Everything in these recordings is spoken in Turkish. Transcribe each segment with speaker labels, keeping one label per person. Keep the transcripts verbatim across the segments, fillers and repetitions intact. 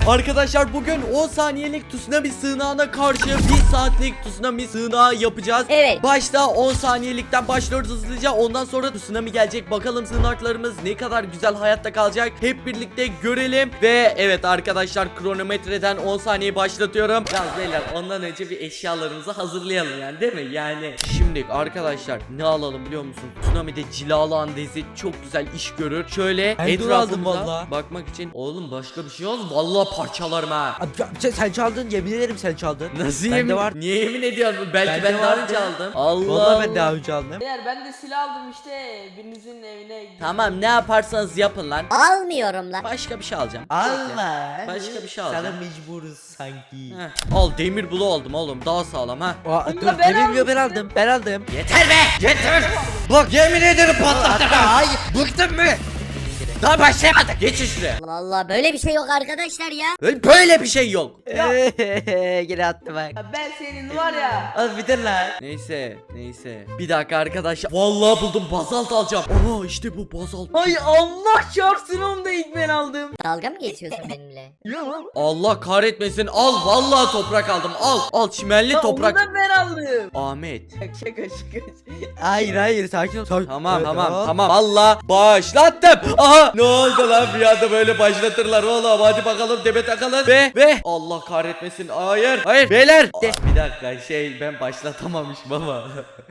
Speaker 1: Arkadaşlar bugün on saniyelik tsunami sığınağına karşı bir saatlik tsunami sığınağı yapacağız.
Speaker 2: Evet.
Speaker 1: Başta on saniyelikten başlıyoruz hızlıca. Ondan sonra tsunami gelecek. Bakalım sığınaklarımız ne kadar güzel hayatta kalacak. Hep birlikte görelim. Ve evet arkadaşlar, kronometreden on saniye başlatıyorum. Yalnız beyler, ondan önce bir eşyalarımızı hazırlayalım yani, değil mi? Yani şimdi arkadaşlar ne alalım biliyor musun? Tsunami'de cilalı andezi çok güzel iş görür. Şöyle
Speaker 3: Ben de aldım
Speaker 1: etrafımıza
Speaker 3: vallahi.
Speaker 1: bakmak için. Oğlum başka bir şey olmaz. Vallahi parçalarım ha.
Speaker 3: Abi, sen, sen çaldın, yemin ederim sen çaldın.
Speaker 1: Nasıl
Speaker 3: Bende
Speaker 1: yemin?
Speaker 3: var.
Speaker 1: Niye yemin ediyorsun? Belki
Speaker 3: Bende
Speaker 1: ben daha
Speaker 3: vardı.
Speaker 1: önce aldım. Allah
Speaker 3: Vallahi ben daha
Speaker 1: Allah.
Speaker 3: önce aldım.
Speaker 4: Beyler ben de silah aldım işte birinizin evine gittim.
Speaker 1: Tamam, ne yaparsanız yapın lan.
Speaker 2: Almıyorum lan.
Speaker 1: Başka bir şey alacağım.
Speaker 3: Allah.
Speaker 1: Başka bir şey
Speaker 3: Sana
Speaker 1: alacağım.
Speaker 3: mecburuz sanki.
Speaker 1: Heh, al, demir bulu oldum oğlum, daha sağlam ha.
Speaker 3: Aa,
Speaker 4: Bunu
Speaker 3: dur,
Speaker 4: da ben
Speaker 3: yemin ediyorum ben
Speaker 4: almıştım.
Speaker 3: aldım. Ben aldım.
Speaker 1: Yeter be, yeter. Bak yemin ederim patlattım. Hayır, bıktım mı? Daha başlayamadık. Geçin şuraya.
Speaker 2: Vallahi böyle bir şey yok arkadaşlar ya.
Speaker 1: Böyle bir şey yok.
Speaker 3: Gene attı bak.
Speaker 4: Ya ben senin var ya.
Speaker 3: Az bitir lan.
Speaker 1: Neyse, neyse. Bir dakika arkadaşlar. Vallahi buldum, bazalt alacağım. Aha işte bu bazalt.
Speaker 4: Ay Allah çarpsın, onu da ilk ben aldım.
Speaker 2: Dalga mı geçiyorsun benimle?
Speaker 1: Allah kahretmesin. Al, vallahi toprak aldım. Al, al çimenli
Speaker 4: Ya
Speaker 1: toprak.
Speaker 4: onu da ben aldım.
Speaker 1: Ahmet.
Speaker 4: Şaka şaka şaka.
Speaker 3: Hayır hayır sakin ol. Sakin.
Speaker 1: Tamam
Speaker 3: Evet,
Speaker 1: tamam
Speaker 3: aa.
Speaker 1: tamam. Allah başlattım. Aha, ne oldu lan, bir anda böyle başlatırlar oğlum. Hadi bakalım, debe takalım. Ve ve Allah kahretmesin. Hayır hayır beyler. Aa, bir dakika, şey ben başlatamamışım ama.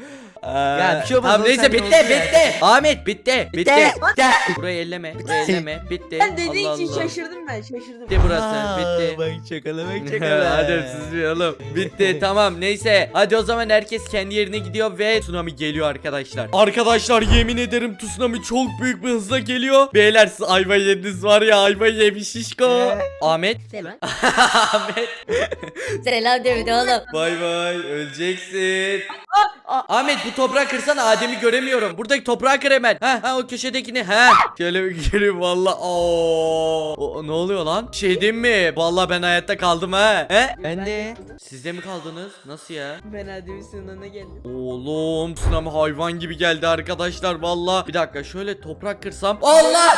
Speaker 3: Ya bir şey olmaz,
Speaker 1: Tamam
Speaker 3: oğlum,
Speaker 1: neyse,
Speaker 3: sen
Speaker 1: bitti
Speaker 3: ne oldu
Speaker 1: bitti. Ahmet bitti. Bitti.
Speaker 3: Bitti.
Speaker 1: Burayı elleme. Burayı elleme. Bitti.
Speaker 4: Ben dediğin
Speaker 1: Allah
Speaker 4: için
Speaker 1: Allah.
Speaker 4: şaşırdım ben şaşırdım.
Speaker 1: Bitti burası.
Speaker 3: Aa,
Speaker 1: Bitti.
Speaker 3: Bak çakala bak çakala.
Speaker 1: Hadi siz bir oğlum. Bitti tamam, neyse. Hadi o zaman herkes kendi yerine gidiyor ve tsunami geliyor arkadaşlar. Arkadaşlar yemin ederim tsunami çok büyük bir hızla geliyor. Beyler siz ayva yediniz var ya, ayva yemiş şişko. Ahmet.
Speaker 2: Selam.
Speaker 1: Ahmet.
Speaker 2: Selam David oğlum.
Speaker 1: Bay bay, öleceksin. Ahmet bu toprağı kırsana, Adem'i göremiyorum. Buradaki toprağı kır hemen. Ha ha, o köşedekini. Ha. Şöyle bir gireyim valla. Oo. O, ne oluyor lan? Şey diyeyim mi? Valla ben hayatta kaldım ha. He?
Speaker 3: Ben de.
Speaker 1: Siz de mi kaldınız? Nasıl ya?
Speaker 4: Ben Adem'in sınırına geldim.
Speaker 1: Oğlum tsunami hayvan gibi geldi arkadaşlar valla. Bir dakika, şöyle toprak kırsam. Allah!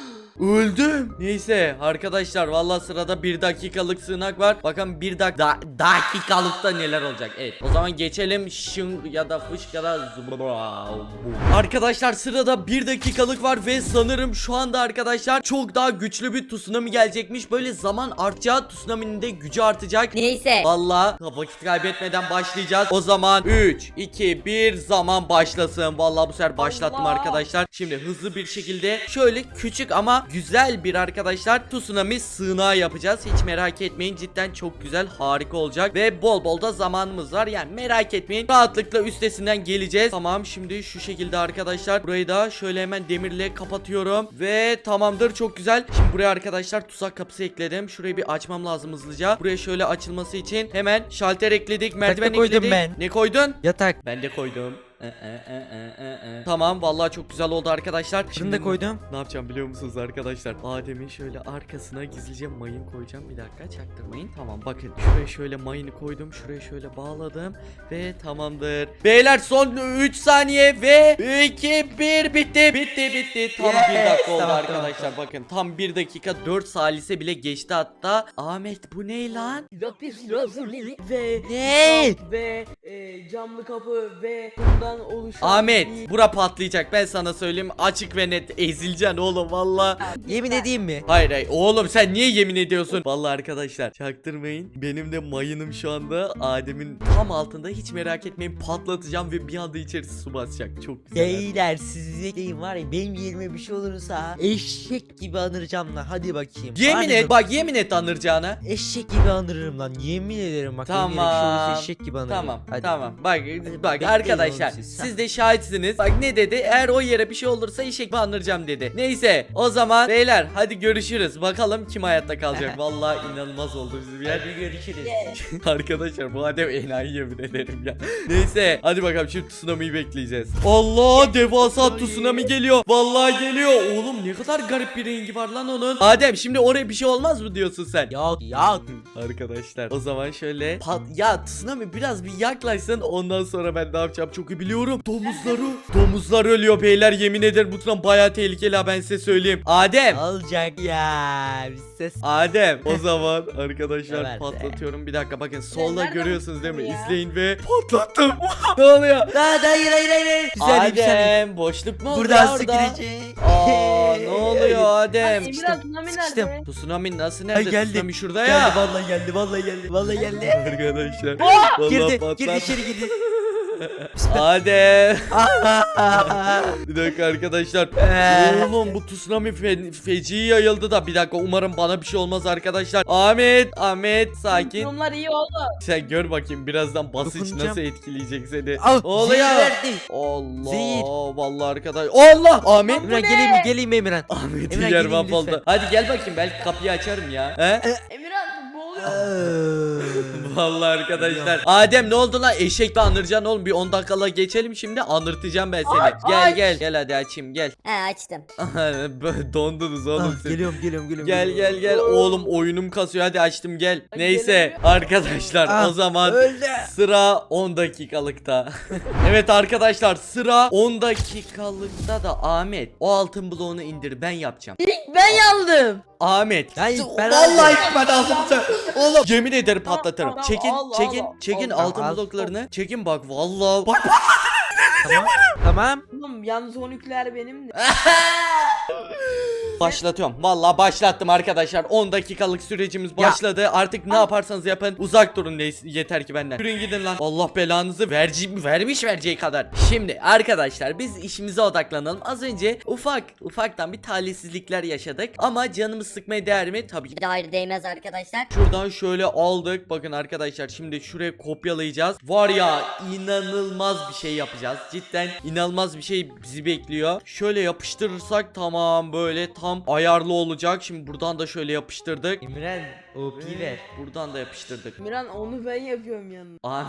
Speaker 1: Öldüm. Neyse arkadaşlar, valla sırada bir dakikalık sığınak var. Bakın bir dak da dakikalıkta neler olacak. Evet, o zaman geçelim. Şın ya da fış ya da zıbra. Arkadaşlar sırada bir dakikalık var ve sanırım şu anda arkadaşlar çok daha güçlü bir tsunami gelecekmiş. Böyle zaman artacağı, tsunami'nin de gücü artacak.
Speaker 2: Neyse.
Speaker 1: Valla vakit kaybetmeden başlayacağız. O zaman üç, iki, bir, zaman başlasın. Valla bu sefer başlattım
Speaker 4: Allah.
Speaker 1: arkadaşlar. Şimdi hızlı bir şekilde şöyle küçük ama güzel bir arkadaşlar tsunami sığınağı yapacağız. Hiç merak etmeyin, cidden çok güzel, harika olacak. Ve bol bol da zamanımız var. Yani merak etmeyin, rahatlıkla üstesinden geleceğiz. Tamam, şimdi şu şekilde arkadaşlar burayı da şöyle hemen demirle kapatıyorum. Ve tamamdır, çok güzel. Şimdi buraya arkadaşlar tuzak kapısı ekledim. Şurayı bir açmam lazım hızlıca. Buraya şöyle açılması için hemen şalter ekledik, merdiven
Speaker 3: koydum
Speaker 1: ekledik.
Speaker 3: ben.
Speaker 1: Ne koydun?
Speaker 3: Yatak.
Speaker 1: Ben de koydum. Ee, e, e, e, e, e. Tamam, vallahi çok güzel oldu arkadaşlar.
Speaker 3: Şunu da koydum.
Speaker 1: Ne yapacağım biliyor musunuz arkadaşlar? Adem'in şöyle arkasına gizlice mayın koyacağım. Bir dakika, çaktırmayın. Tamam, bakın şuraya şöyle mayını koydum. Şuraya şöyle bağladım. Ve tamamdır. Beyler son üç saniye ve iki bir bitti. Bitti bitti. Tam
Speaker 3: Yes.
Speaker 1: bir dakika oldu
Speaker 3: Tamam,
Speaker 1: arkadaşlar. Bakın tam bir dakika dört salise bile geçti hatta. Ahmet bu ne lan?
Speaker 4: Ve
Speaker 3: Ne?
Speaker 4: ve e, camlı kapı ve bundan oluşan
Speaker 1: Ahmet
Speaker 4: bir-
Speaker 1: bura patlayacak, ben sana söyleyeyim, açık ve net ezileceksin oğlum valla.
Speaker 3: Yemin edeyim mi?
Speaker 1: Hayır hayır oğlum, sen niye yemin ediyorsun? Vallahi arkadaşlar çaktırmayın, benim de mayınım şu anda Adem'in tam altında, hiç merak etmeyin, patlatacağım ve bir anda içerisi su basacak. Çok güzel.
Speaker 3: Beyler siz deyin var ya, benim yerime bir şey olursa eşek gibi anıracağım lan, hadi bakayım.
Speaker 1: Yemin
Speaker 3: Hadi
Speaker 1: et
Speaker 3: bak-
Speaker 1: bak, yemin et anıracağına.
Speaker 3: Eşek gibi anırırım lan, yemin ederim bak. benim yerime bir şey
Speaker 1: Tamam.
Speaker 3: olursa eşek gibi anırırım.
Speaker 1: Tamam
Speaker 3: Hadi.
Speaker 1: tamam bak
Speaker 3: Hadi
Speaker 1: bak
Speaker 3: bekleyin
Speaker 1: arkadaşlar,
Speaker 3: oğlum siz.
Speaker 1: siz de şahitsiniz. Bak ne dedi, eğer o yere bir şey olursa eşek mi anıracağım dedi. Neyse o zaman beyler hadi görüşürüz, bakalım kim hayatta kalacak. Vallahi inanılmaz oldu bizim yer.
Speaker 3: Hadi görüşürüz.
Speaker 1: Arkadaşlar bu Adem enayi, yemin ederim ya. Neyse hadi bakalım, şimdi tsunami'yi bekleyeceğiz. Allah, devasa tsunami geliyor. Vallahi geliyor. Oğlum ne kadar garip bir rengi var lan onun. Adem şimdi oraya bir şey olmaz mı diyorsun sen?
Speaker 3: Yok yok.
Speaker 1: Arkadaşlar o zaman şöyle pat ya tsunami biraz bir yaklaşsın, ondan sonra ben ne yapacağım çok iyi biliyorum. Biliyorum. Domuzları. Domuzlar ölüyor beyler. Yemin ederim bu tsunami bayağı tehlikeli ha, ben size söyleyeyim. Adem.
Speaker 3: Olacak ya. Bir ses.
Speaker 1: Adem. O zaman arkadaşlar
Speaker 3: Evet.
Speaker 1: patlatıyorum. Bir dakika bakın solda
Speaker 4: nereden
Speaker 1: görüyorsunuz değil mi?
Speaker 4: buldun ya?
Speaker 1: İzleyin ve patlattım. Ne oluyor?
Speaker 3: Daha da hayır hayır hayır. Bir saniye bir saniye.
Speaker 1: Adem boşluk mu oldu
Speaker 3: Buradan
Speaker 1: ya
Speaker 3: su
Speaker 1: orada?
Speaker 3: girecek.
Speaker 1: Aa ne oluyor Adem?
Speaker 4: Emirhan tsunami
Speaker 3: sıkıştım.
Speaker 4: nerede?
Speaker 1: Bu tsunami nasıl
Speaker 3: Ay,
Speaker 1: nerede?
Speaker 3: geldi.
Speaker 1: Tsunami şurada
Speaker 3: Geldi
Speaker 1: ya.
Speaker 3: vallahi geldi vallahi geldi vallahi geldi.
Speaker 1: Arkadaşlar. Vallahi
Speaker 3: Girdi
Speaker 1: patlar.
Speaker 3: girdi içeri girdi.
Speaker 1: Adem.
Speaker 3: Aa,
Speaker 1: Bir dakika arkadaşlar.
Speaker 3: Ee.
Speaker 1: Oğlum bu tsunami fe feci yayıldı da bir dakika umarım bana bir şey olmaz arkadaşlar. Ahmet, Ahmet sakin.
Speaker 4: Durumlar iyi oldu.
Speaker 1: Sen gör bakayım birazdan basınç
Speaker 3: Dokunacağım.
Speaker 1: nasıl etkileyecek seni.
Speaker 3: Al,
Speaker 1: Oluyor.
Speaker 3: zehir verdi.
Speaker 1: Allah.
Speaker 3: Zehir.
Speaker 1: Vallahi arkadaş. Allah. Ahmet.
Speaker 3: Emirhan geleyim mi geleyim mi Emirhan?
Speaker 1: Ahmet'in
Speaker 3: Emre,
Speaker 1: yer
Speaker 3: geleyim
Speaker 1: mahvoldu.
Speaker 3: lütfen.
Speaker 1: Hadi gel bakayım belki kapıyı açarım ya. He?
Speaker 4: Emirhan boğuluyor.
Speaker 1: Vallahi arkadaşlar. Adem ne oldu lan? Eşekle anıracaksın oğlum. Bir on dakikala geçelim şimdi. Anırtacağım ben seni.
Speaker 4: Ay,
Speaker 1: Gel
Speaker 4: ay.
Speaker 1: gel. Gel hadi açayım gel.
Speaker 2: He açtım.
Speaker 1: Böyle Dondunuz oğlum
Speaker 3: Ah,
Speaker 1: siz.
Speaker 3: geliyorum geliyorum geliyorum.
Speaker 1: Gel gel gel oğlum oyunum kasıyor hadi açtım gel.
Speaker 4: Ay,
Speaker 1: Neyse
Speaker 4: gelemiyor.
Speaker 1: arkadaşlar
Speaker 3: Ah,
Speaker 1: o zaman
Speaker 3: öldü.
Speaker 1: sıra on dakikalıkta. Evet arkadaşlar sıra on dakikalıkta da Ahmet o altın bloğunu indir ben yapacağım.
Speaker 4: Ben yandım.
Speaker 1: Ahmet.
Speaker 3: Ya ilk ben
Speaker 1: Vallahi
Speaker 3: aldım.
Speaker 1: ilk ben aldım sen. Oğlum yemin ederim
Speaker 4: Tamam,
Speaker 1: patlatırım.
Speaker 4: tamam,
Speaker 1: Çekin
Speaker 4: al, al,
Speaker 1: çekin
Speaker 4: al,
Speaker 1: çekin
Speaker 3: al,
Speaker 1: altın
Speaker 3: al.
Speaker 1: bloklarını. Çekin bak vallahi. Bak
Speaker 3: Tamam. Tamam.
Speaker 4: Oğlum yalnız o nükleer benim de.
Speaker 1: başlatıyorum. Vallahi başlattım arkadaşlar. on dakikalık sürecimiz başladı. Artık ne yaparsanız yapın. Uzak durun neyse- yeter ki benden. Yürüyün gidin lan. Allah belanızı verci vermiş vereceği kadar. Şimdi arkadaşlar biz işimize odaklanalım. Az önce ufak ufaktan bir talihsizlikler yaşadık. Ama canımız sıkmaya değer mi? Tabii ki.
Speaker 2: Bir de ayrı değmez arkadaşlar.
Speaker 1: Şuradan şöyle aldık. Bakın arkadaşlar şimdi şuraya kopyalayacağız. Var ya inanılmaz bir şey yapacağız. Cidden inanılmaz bir şey bizi bekliyor. Şöyle yapıştırırsak tamam böyle tam ayarlı olacak. Şimdi buradan da şöyle yapıştırdık.
Speaker 3: Emirhan O P ver.
Speaker 1: Buradan da yapıştırdık.
Speaker 4: Emirhan onu ben yapıyorum yalnız.
Speaker 1: Abi.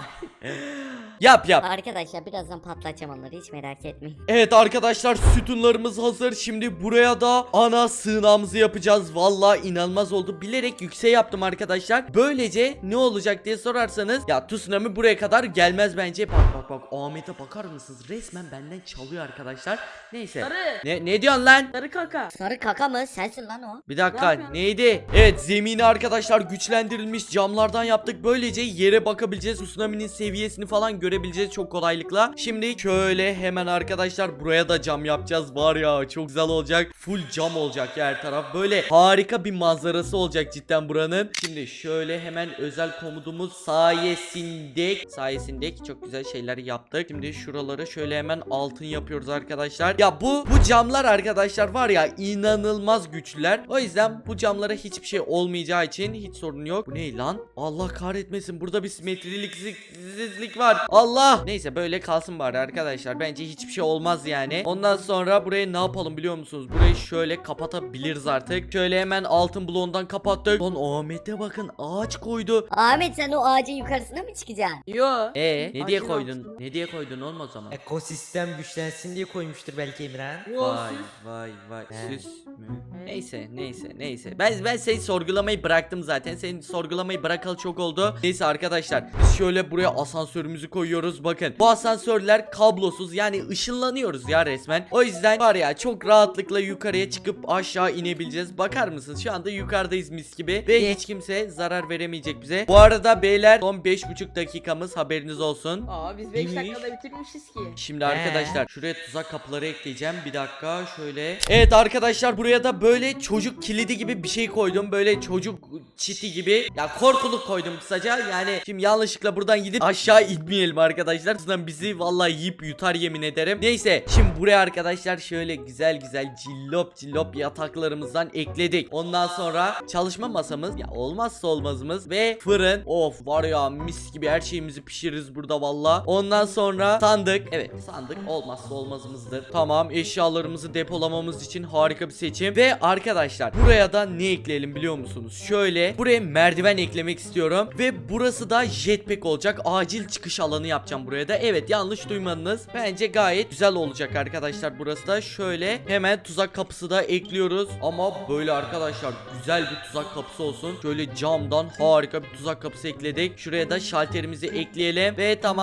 Speaker 1: Yap yap.
Speaker 2: Arkadaşlar birazdan patlatacağım onları hiç merak etmeyin.
Speaker 1: Evet arkadaşlar sütunlarımız hazır. Şimdi buraya da ana sığınağımızı yapacağız. Vallahi inanılmaz oldu. Bilerek yüksek yaptım arkadaşlar. Böylece ne olacak diye sorarsanız ya tsunami buraya kadar gelmez bence. Bak bak bak Ahmet'e bakar mısınız? Resmen benden çalıyor arkadaşlar. Neyse.
Speaker 4: Sarı.
Speaker 1: Ne ne diyorsun lan?
Speaker 4: Sarı kaka.
Speaker 2: Sarı kaka mı? Sensin lan o.
Speaker 1: Bir dakika
Speaker 4: Ne yapıyorsun?
Speaker 1: neydi? Evet zemini arkadaşlar güçlendirilmiş camlardan yaptık. Böylece yere bakabileceğiz. Tsunami'nin seviyesini falan görebileceğiz çok kolaylıkla. Şimdi şöyle hemen arkadaşlar buraya da cam yapacağız. Var ya çok güzel olacak. Full cam olacak her taraf. Böyle harika bir manzarası olacak cidden buranın. Şimdi şöyle hemen özel komudumuz sayesinde sayesinde çok güzel şeyler yaptık. Şimdi şuraları şöyle hemen altın yapıyoruz arkadaşlar. Ya bu bu camlar arkadaşlar var ya inanılmaz güçlüler. O yüzden bu camlara hiçbir şey olmayacağı için hiç sorun yok. Bu ne lan? Allah kahretmesin. Burada bir simetriliksizlik var. Allah. Neyse böyle kalsın bari arkadaşlar. Bence hiçbir şey olmaz yani. Ondan sonra buraya ne yapalım biliyor musunuz? Burayı şöyle kapatabiliriz artık. Şöyle hemen altın bloğundan kapattık. Lan Ahmet'e bakın ağaç koydu.
Speaker 2: Ahmet sen o ağacın yukarısına mı çıkacaksın?
Speaker 4: Yo.
Speaker 1: E ne diye
Speaker 4: Ağacın
Speaker 1: koydun?
Speaker 4: altına.
Speaker 1: Ne diye koydun oğlum o zaman?
Speaker 3: Ekosistem güçlensin diye koymuştur belki Emirhan.
Speaker 4: Yo.
Speaker 1: Vay
Speaker 4: siz-
Speaker 1: vay vay
Speaker 3: He.
Speaker 1: süs mü? Neyse neyse neyse. Ben ben seni sorgulamayı bıraktım zaten. Seni sorgulamayı bırakalı çok oldu. Neyse arkadaşlar biz şöyle buraya asansörümüzü koyuyoruz. Bakın bu asansörler kablosuz yani ışınlanıyoruz ya resmen. O yüzden var ya çok rahatlıkla yukarıya çıkıp aşağı inebileceğiz. Bakar mısınız? Şu anda yukarıdayız mis gibi ve hiç kimse zarar veremeyecek bize. Bu arada beyler son beş buçuk dakikamız haberiniz olsun.
Speaker 4: Aa biz beş
Speaker 3: Neymiş?
Speaker 4: dakikada bitirmişiz ki.
Speaker 1: Şimdi
Speaker 3: He.
Speaker 1: arkadaşlar şuraya tuzak kapıları ekleyeceğim. Bir dakika şöyle. Evet arkadaşlar buraya da böyle çocuk kilidi gibi bir şey koydum. Böyle çocuk çiti gibi. Ya korkuluk koydum kısaca. Yani şimdi yanlışlıkla buradan gidip aşağı inmeyelim arkadaşlar. Sizden bizi vallahi yiyip yutar yemin ederim. Neyse şimdi buraya arkadaşlar şöyle güzel güzel cillop cillop yataklarımızdan ekledik. Ondan sonra çalışma masamız ya olmazsa olmazımız ve fırın. Of var ya mis gibi her şeyimizi pişiririz burada valla. Ondan sonra sandık. Evet sandık olmazsa olmazımızdır. Tamam eşyalarımızı depolamamız için harika bir seçim. Ve arkadaşlar buraya da ne ekleyelim biliyor musunuz? Şöyle buraya merdiven eklemek istiyorum. Ve burası da jetpack olacak. Acil çıkış alanı yapacağım buraya da. Evet yanlış duymadınız. Bence gayet güzel olacak arkadaşlar burası da. Şöyle hemen tuzak kapısı da ekliyoruz. Ama böyle arkadaşlar güzel bir tuzak kapısı olsun. Şöyle camdan harika bir tuzak kapısı ekledik. Şuraya da şalterimizi ekleyelim. Ve tamam buradan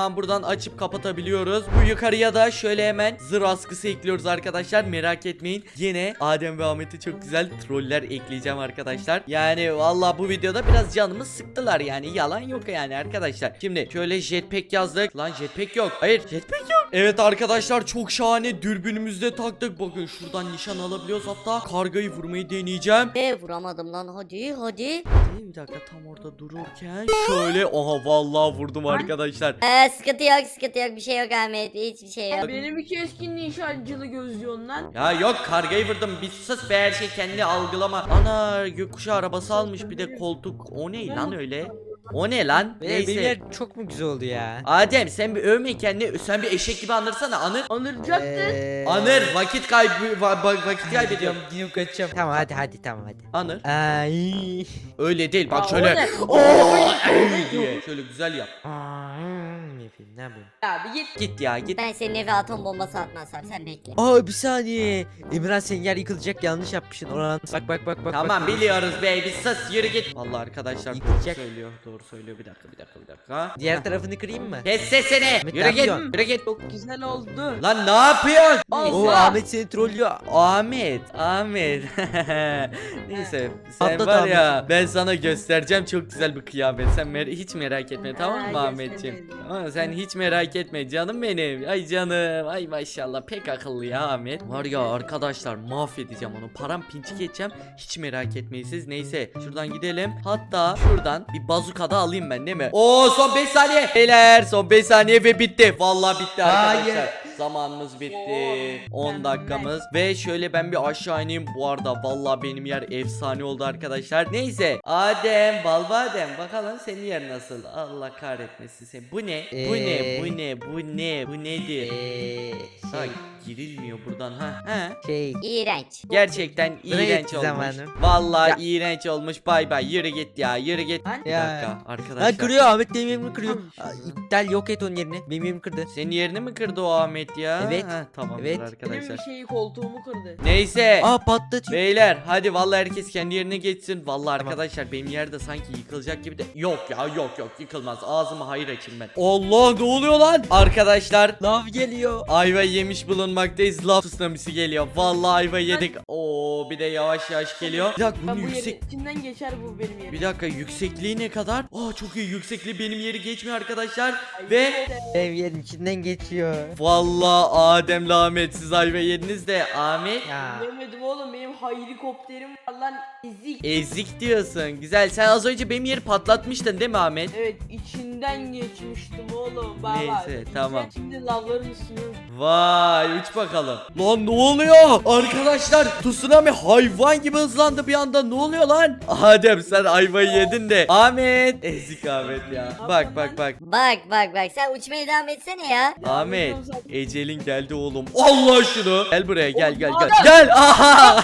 Speaker 1: açıp kapatabiliyoruz. Bu yukarıya da şöyle hemen zırh askısı ekliyoruz arkadaşlar. Merak etmeyin. Yine Adem ve Ahmet'e çok güzel troller ekleyeceğim arkadaşlar. Yani valla bu videoda biraz canımı sıktılar yani. Yalan yok yani arkadaşlar. Şimdi şöyle jetpack yazdık. Lan jetpack yok. Hayır jetpack yok. Evet arkadaşlar çok şahane dürbünümüzde taktık. Bakın şuradan nişan alabiliyoruz. Hatta kargayı vurmayı deneyeceğim.
Speaker 2: E vuramadım lan, hadi hadi.
Speaker 1: Bir dakika tam orada dururken şöyle aha vallahi vurdum arkadaşlar.
Speaker 2: Ee, sıkıntı yok sıkıntı yok, bir şey yok Ahmet, hiçbir şey yok.
Speaker 4: Benim iki keskin nişancılı gözlüyorsun lan.
Speaker 1: Ya yok kargayı vurdum bir sus be her şey kendini algılama. Ana gökkuşağı arabası almış bir de koltuk o ne lan öyle? O ne lan?
Speaker 3: Beyler, benim
Speaker 1: Neyse.
Speaker 3: yer çok mu güzel oldu ya?
Speaker 1: Adem sen bir övme kendini sen bir eşek gibi anırsana anır.
Speaker 4: Anıracaktın.
Speaker 3: Eee,
Speaker 1: Anır vakit kaybı va- va- vakit kaybediyorum.
Speaker 3: Gidiyorum kaçacağım. Tamam hadi hadi tamam hadi.
Speaker 1: Anır.
Speaker 3: Ay.
Speaker 1: Öyle değil bak
Speaker 4: Aa,
Speaker 1: şöyle.
Speaker 4: o ne?
Speaker 1: Oo, diye şöyle güzel yap.
Speaker 3: Aa, ne yapayım ne yapayım?
Speaker 4: Ya bir git.
Speaker 1: Git ya git.
Speaker 2: Ben senin eve atom bombası atmazsam sen bekle.
Speaker 3: Aa bir saniye. Emirhan senin yer yıkılacak yanlış yapmışsın. Orhan bak bak bak bak.
Speaker 1: Tamam
Speaker 3: bak.
Speaker 1: biliyoruz be bir sus yürü git. Vallahi arkadaşlar doğru
Speaker 3: Yıkılacak.
Speaker 1: söylüyor doğru söylüyor bir dakika bir dakika bir dakika.
Speaker 3: Diğer tarafını kırayım mı?
Speaker 1: Kes sesini.
Speaker 3: Ahmet,
Speaker 1: Yürü
Speaker 3: ne
Speaker 1: git.
Speaker 3: yapıyorsun?
Speaker 1: Yürü git.
Speaker 4: Çok güzel oldu.
Speaker 1: Lan ne yapıyorsun?
Speaker 3: Oo
Speaker 4: Allah.
Speaker 3: Ahmet seni trollüyor.
Speaker 1: Ahmet, Ahmet. Neyse, sen
Speaker 3: Patlat
Speaker 1: var ya,
Speaker 3: Ahmet.
Speaker 1: ben sana göstereceğim çok güzel bir kıyafet. Sen mer hiç merak etme, tamam mı
Speaker 4: Ha,
Speaker 1: Ahmetciğim?
Speaker 4: gösterelim.
Speaker 1: Ama sen hiç merak etme canım benim. Ay canım, ay maşallah pek akıllı ya Ahmet. Var ya arkadaşlar mahvedeceğim onu. Param pinçik edeceğim. Hiç merak etmeyin siz. Neyse, şuradan gidelim. Hatta şuradan bir bazuka da alayım ben değil mi? Oo son beş saniye. Beyler son beş saniye ve bitti. Vallahi bitti arkadaşlar.
Speaker 3: Hayır.
Speaker 1: Zamanımız bitti.
Speaker 4: Oo,
Speaker 1: on dakikamız. Ve şöyle ben bir aşağı ineyim. Bu arada vallahi benim yer efsane oldu arkadaşlar. Neyse. Adem, Balbadem bakalım senin yer nasıl? Allah kahretmesin seni. Bu ne? Bu ne?
Speaker 3: Ee.
Speaker 1: Bu ne? Bu ne? Bu nedir?
Speaker 3: Eee
Speaker 1: Ha,
Speaker 3: şey
Speaker 1: girilmiyor buradan ha. Ha.
Speaker 3: şey.
Speaker 2: İğrenç.
Speaker 1: Gerçekten
Speaker 3: Buraya
Speaker 1: iğrenç
Speaker 3: gitti
Speaker 1: olmuş.
Speaker 3: zamanım.
Speaker 1: Vallahi
Speaker 3: Ya.
Speaker 1: iğrenç olmuş. Bay bay. Yürü git ya. Yürü git.
Speaker 4: Lan.
Speaker 1: Bir
Speaker 3: Ya.
Speaker 1: dakika arkadaşlar.
Speaker 3: Lan kırıyor Ahmet benim yerimi kırıyor. Aa, İptal yok et onun yerini. Benim yerimi kırdı.
Speaker 1: Senin yerini mi kırdı o Ahmet ya?
Speaker 3: Evet.
Speaker 1: Ha, tamamdır
Speaker 3: Evet.
Speaker 1: arkadaşlar.
Speaker 4: Benim şeyi koltuğumu kırdı.
Speaker 1: Neyse.
Speaker 3: Aa patlatıyor.
Speaker 1: Beyler hadi vallahi herkes kendi yerine geçsin. Vallahi
Speaker 3: Tamam.
Speaker 1: arkadaşlar benim yerde sanki yıkılacak gibi de. Yok ya yok yok yıkılmaz. Ağzımı hayır açayım ben. Allah ne oluyor lan? Arkadaşlar
Speaker 3: Lav geliyor.
Speaker 1: ayva yemiş bulunmaktayız. Laf tsunamisi geliyor. Vallahi ayva yedik. Oo bir de yavaş yavaş geliyor. Bir dakika bunun
Speaker 4: Ben bu
Speaker 1: yüksek.
Speaker 4: yerin içinden geçer bu benim yerim.
Speaker 1: Bir dakika yüksekliği ne kadar? Aa çok iyi yüksekliği benim yeri geçmiyor arkadaşlar. Ve
Speaker 3: Benim yerim içinden geçiyor.
Speaker 1: vallahi Adem'le Ahmet siz ayva yediniz de Ahmet
Speaker 3: Ya.
Speaker 4: Demedim oğlum, benim helikopterim var lan, ezik.
Speaker 1: ezik diyorsun. Güzel sen az önce benim yeri patlatmıştın değil mi Ahmet?
Speaker 4: Evet, içinden geçmiştim oğlum baba.
Speaker 1: Neyse, tamam.
Speaker 4: Şimdi lavların üstüne.
Speaker 1: Vay uç bakalım. Lan ne oluyor? Arkadaşlar tsunami hayvan gibi hızlandı bir anda. Ne oluyor lan? Adem sen ayvayı yedin de. Ahmet. Ezik Ahmet ya. Bak bak bak.
Speaker 2: Bak bak bak, sen uçmaya devam etsene ya.
Speaker 1: Ahmet
Speaker 4: yapıyorum zaten.
Speaker 1: ecelin geldi oğlum. Allah şunu. Gel buraya gel gel gel.
Speaker 4: Adam.
Speaker 1: Gel. Aha.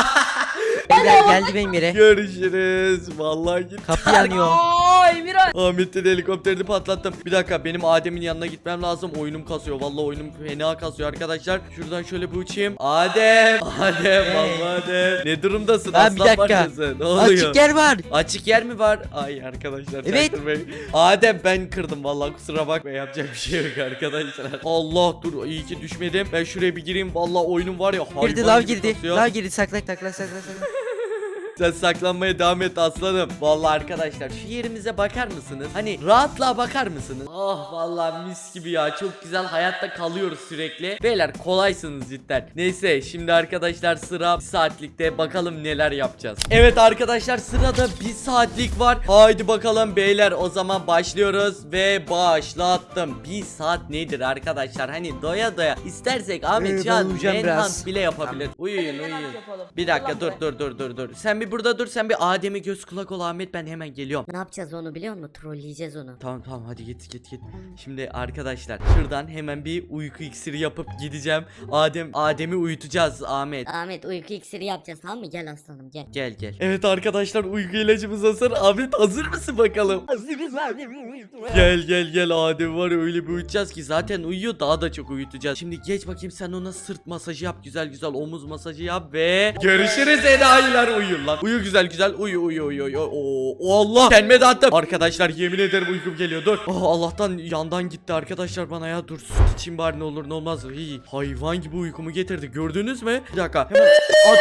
Speaker 3: Beyler geldi benim yere.
Speaker 1: Görüşürüz. Vallahi git.
Speaker 3: Kapı yanıyor.
Speaker 4: Aa Emirhan.
Speaker 1: Ahmet'in helikopterini patlattım. Bir dakika benim Adem'in yanına gitmem lazım. Oyunum kasıyor. Vallahi oyunum fena kasıyor arkadaşlar. Şuradan şöyle bir uçayım. Adem. Adem. Vallahi Adem. Ne durumdasın?
Speaker 3: Lan bir
Speaker 1: Aslan
Speaker 3: dakika.
Speaker 1: parçası. Ne oluyor?
Speaker 3: Açık yer var.
Speaker 1: Açık yer mi var? Ay arkadaşlar.
Speaker 3: Evet.
Speaker 1: çaktırmayın. Adem ben kırdım vallahi kusura bakma yapacak bir şey yok arkadaşlar. Allah dur iyi ki düşmedim. Ben şuraya bir gireyim vallahi oyunum var ya hayvan
Speaker 3: Girdi lav
Speaker 1: gibi
Speaker 3: girdi.
Speaker 1: kasıyor.
Speaker 3: Lav girdi sakla sakla sakla sakla.
Speaker 1: Sen saklanmaya devam et aslanım. Vallahi arkadaşlar şu yerimize bakar mısınız? Hani rahatlığa bakar mısınız? Ah vallahi mis gibi ya. Çok güzel hayatta kalıyoruz sürekli. Beyler kolaysınız cidden. Neyse şimdi arkadaşlar sıra bir saatlikte bakalım neler yapacağız. Evet arkadaşlar sırada bir saatlik var. Haydi bakalım beyler o zaman başlıyoruz ve başlattım. Bir saat nedir arkadaşlar? Hani doya doya istersek Ahmet
Speaker 3: Ee, ben
Speaker 1: şu an
Speaker 3: uyuyacağım biraz.
Speaker 1: enhance bile yapabilir. Uyuyun
Speaker 4: Hemen
Speaker 1: uyuyun.
Speaker 4: yapalım.
Speaker 1: Bir dakika
Speaker 4: Allah
Speaker 1: dur
Speaker 4: be.
Speaker 1: dur dur dur dur. Sen bir burada dur. Sen bir Adem'e göz kulak ol Ahmet. Ben hemen geliyorum.
Speaker 2: Ne yapacağız onu biliyor musun? Trolleyeceğiz onu.
Speaker 1: Tamam tamam hadi git git git. Şimdi arkadaşlar şuradan hemen bir uyku iksiri yapıp gideceğim. Adem Adem'i uyutacağız Ahmet.
Speaker 2: Ahmet uyku iksiri yapacağız, tamam mı? Gel aslanım gel.
Speaker 1: Gel gel. Evet arkadaşlar uyku ilacımız hazır. Ahmet hazır mısın bakalım?
Speaker 3: Hazırız abi.
Speaker 1: Gel gel gel Adem var ya öyle bir uyutacağız ki zaten uyuyor daha da çok uyutacağız. Şimdi geç bakayım sen ona sırt masajı yap güzel güzel omuz masajı yap ve görüşürüz enayiler uyuyun lan Uyu güzel güzel. Uyu uyu uyu uyu. Oo, o Allah. Kendime de attım. Arkadaşlar yemin ederim uykum geliyor. Dur. Oh, Allah'tan yandan gitti arkadaşlar bana ya. Dur süt içeyim bari ne olur ne olmaz. Hii, hayvan gibi uykumu getirdi. Gördünüz mü? Bir dakika. Hemen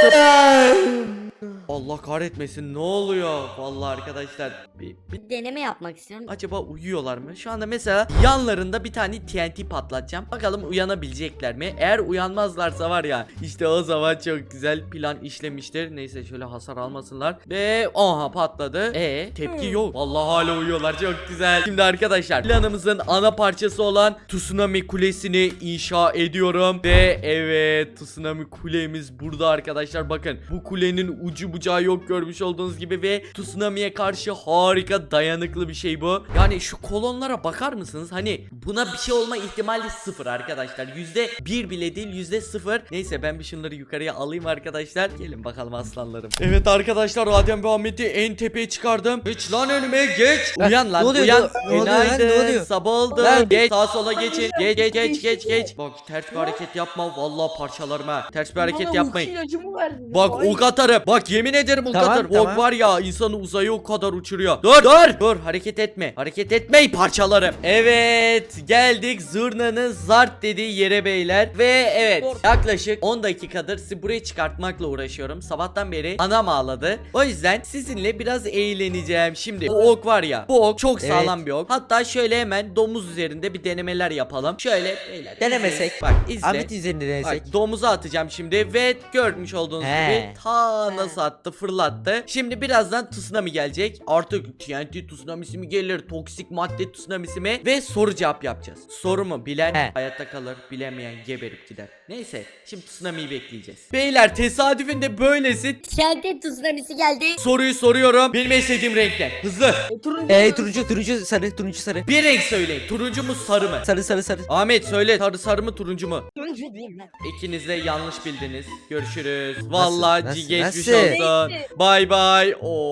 Speaker 1: atıp. Allah kahretmesin. Ne oluyor? Vallahi arkadaşlar. Bir, bir
Speaker 2: Bir deneme yapmak istiyorum.
Speaker 1: acaba uyuyorlar mı? Şu anda mesela yanlarında bir tane T N T patlatacağım. Bakalım uyanabilecekler mi? Eğer uyanmazlarsa var ya işte o zaman çok güzel plan işlemiştir. Neyse şöyle hasar almasınlar. Ve aha patladı. E tepki yok. Vallahi hala uyuyorlar. Çok güzel. Şimdi arkadaşlar planımızın ana parçası olan Tsunami Kulesi'ni inşa ediyorum. Ve evet Tsunami Kulemiz burada arkadaşlar. Bakın bu kulenin ucu bucağı yok görmüş olduğunuz gibi ve tsunami'ye karşı harika dayanıklı bir şey bu. Yani şu kolonlara bakar mısınız? Hani buna bir şey olma ihtimali sıfır arkadaşlar. Yüzde bir bile değil yüzde sıfır. Neyse ben bir şunları yukarıya alayım arkadaşlar. Gelin bakalım aslanlarım. Evet arkadaşlar Adem ve Ahmet'i en tepeye çıkardım. Geç lan önüme geç. Uyan lan
Speaker 3: ne oluyor,
Speaker 1: uyan.
Speaker 3: ne- ne oluyor lan, ne
Speaker 1: Günaydın.
Speaker 3: oluyor?
Speaker 1: Sabah oldu.
Speaker 3: Lan.
Speaker 1: Geç sağa sola geçin. Geç geç geç geç geç. Bak ters bir hareket yapma. Vallahi parçalarım ha. Ters bir hareket
Speaker 4: Bana
Speaker 1: yapmayın.
Speaker 4: uyku ilacımı verdin.
Speaker 1: Bak
Speaker 4: Ay.
Speaker 1: ok atarım. Bak yemin ederim ok
Speaker 3: Tamam,
Speaker 1: atarım.
Speaker 3: tamam.
Speaker 1: Ok var ya insanı uzaya o kadar uçuruyor. Dur dur. Dur hareket etme. Hareket etmeyi parçalarım. Evet geldik zurnanın zart dediği yere beyler. Ve evet
Speaker 4: Dur.
Speaker 1: yaklaşık on dakikadır sizi buraya çıkartmakla uğraşıyorum. Sabahtan beri anam ağladı. O yüzden sizinle biraz eğleneceğim. Şimdi bu ok var ya. Bu ok çok sağlam
Speaker 3: Evet.
Speaker 1: bir ok. Hatta şöyle hemen domuz üzerinde bir denemeler yapalım. Şöyle beyler.
Speaker 3: Denemesek.
Speaker 1: izle. Bak izle.
Speaker 3: Ahmet üzerinde denesek.
Speaker 1: Bak domuza atacağım şimdi ve görmüş olduğunuz
Speaker 3: He.
Speaker 1: gibi ta nasıl attı fırlattı. Şimdi birazdan tsunami gelecek. Artık T N T tsunamisi mi gelir, toksik madde tsunamisi mi ve soru cevap yapacağız. Sorumu bilen
Speaker 3: He.
Speaker 1: hayatta kalır, bilemeyen geberip gider. Neyse şimdi tsunami'yi bekleyeceğiz. Beyler tesadüfün de böylesi.
Speaker 2: Şente tsunamisi geldi.
Speaker 1: Soruyu soruyorum. Benim en sevdiğim renkler. Hızlı.
Speaker 4: E, turuncu.
Speaker 3: Ee, turuncu turuncu sarı turuncu sarı.
Speaker 1: Bir renk söyleyin. Turuncu mu sarı mı?
Speaker 3: Sarı sarı sarı.
Speaker 1: Ahmet söyle sarı sarı mı turuncu mu?
Speaker 2: Turuncu diyeyim ben.
Speaker 1: İkiniz de yanlış bildiniz. Görüşürüz. Vallahi
Speaker 3: nasıl,
Speaker 1: geçmiş
Speaker 3: nasıl?
Speaker 1: olsun. Bay bay.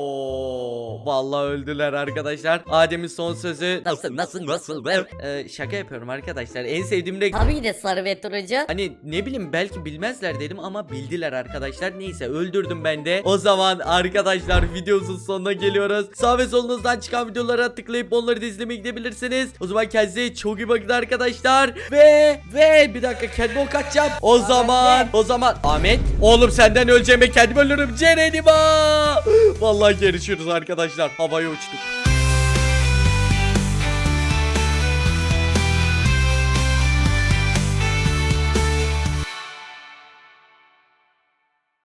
Speaker 1: Oo, vallahi öldüler arkadaşlar. Adem'in son sözü.
Speaker 3: Nasıl nasıl nasıl?
Speaker 1: Ee, şaka yapıyorum arkadaşlar. En sevdiğim renk.
Speaker 2: Tabii ki de sarı ve turuncu.
Speaker 1: Hani ne bileyim belki bilmezler dedim ama bildiler arkadaşlar. Neyse öldürdüm ben de. O zaman arkadaşlar videomuzun sonuna geliyoruz. Sağ ve solunuzdan çıkan videolara tıklayıp onları da izlemeye gidebilirsiniz. O zaman kendinize çok iyi bakın arkadaşlar. Ve ve bir dakika kendime ok atacağım. O zaman o zaman Ahmet oğlum senden öleceğime kendim ölürüm. Cerenima. Vallahi görüşürüz arkadaşlar. Havaya uçtuk.